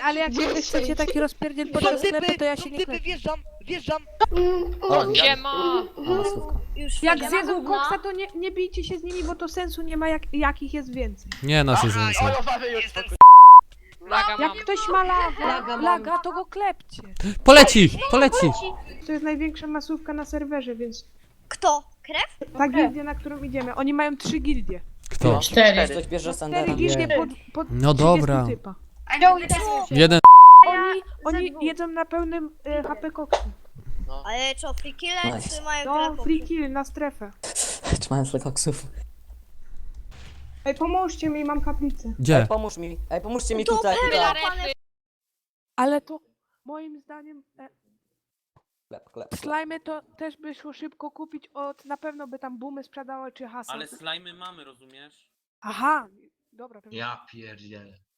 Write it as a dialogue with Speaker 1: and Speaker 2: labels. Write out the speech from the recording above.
Speaker 1: ale jak wy chcecie taki rozpierdziel podczas sklepu, to ja się nie
Speaker 2: Typy,
Speaker 1: klepię.
Speaker 2: wjeżdżam.
Speaker 3: O,
Speaker 4: Siema!
Speaker 3: masówka.
Speaker 5: Już
Speaker 1: Jak
Speaker 5: wchodzę.
Speaker 1: zjedzą koksa, to nie bijcie się z nimi, bo to sensu nie ma, jakich jest więcej.
Speaker 6: Nie, nas jest więcej.
Speaker 4: Laga mam.
Speaker 1: Jak ktoś ma laga, to go klepcie.
Speaker 6: Poleci! Poleci!
Speaker 1: To jest największa masówka na serwerze, więc
Speaker 5: Kto? Krew?
Speaker 1: ta gildia, na którą idziemy. Oni mają 3 gildie.
Speaker 6: Kto?
Speaker 3: 4. Ktoś bierze
Speaker 1: 4
Speaker 3: Sandera.
Speaker 1: gildie pod
Speaker 6: No
Speaker 1: 30
Speaker 6: dobra.
Speaker 1: typa.
Speaker 6: Jeden.
Speaker 1: Oni jedzą na pełnym HP koksu.
Speaker 5: Ale co, free killer
Speaker 3: Nice.
Speaker 5: czy mają
Speaker 1: No,
Speaker 5: tyle
Speaker 1: free kill na strefę.
Speaker 3: Trzymając dla koksów.
Speaker 1: Ej, pomóżcie mi, mam kaplicę.
Speaker 6: Gdzie?
Speaker 3: Pomóż mi. Ej, pomóżcie mi
Speaker 5: To
Speaker 3: tutaj.
Speaker 5: Perla,
Speaker 3: tutaj.
Speaker 1: Ale to moim zdaniem
Speaker 3: Klep.
Speaker 1: slajmy to też by szło szybko kupić na pewno by tam boomy sprzedały czy hasy.
Speaker 7: Ale slajmy mamy, rozumiesz?
Speaker 1: Aha, dobra, pewnie.
Speaker 8: Ja pierdzielę.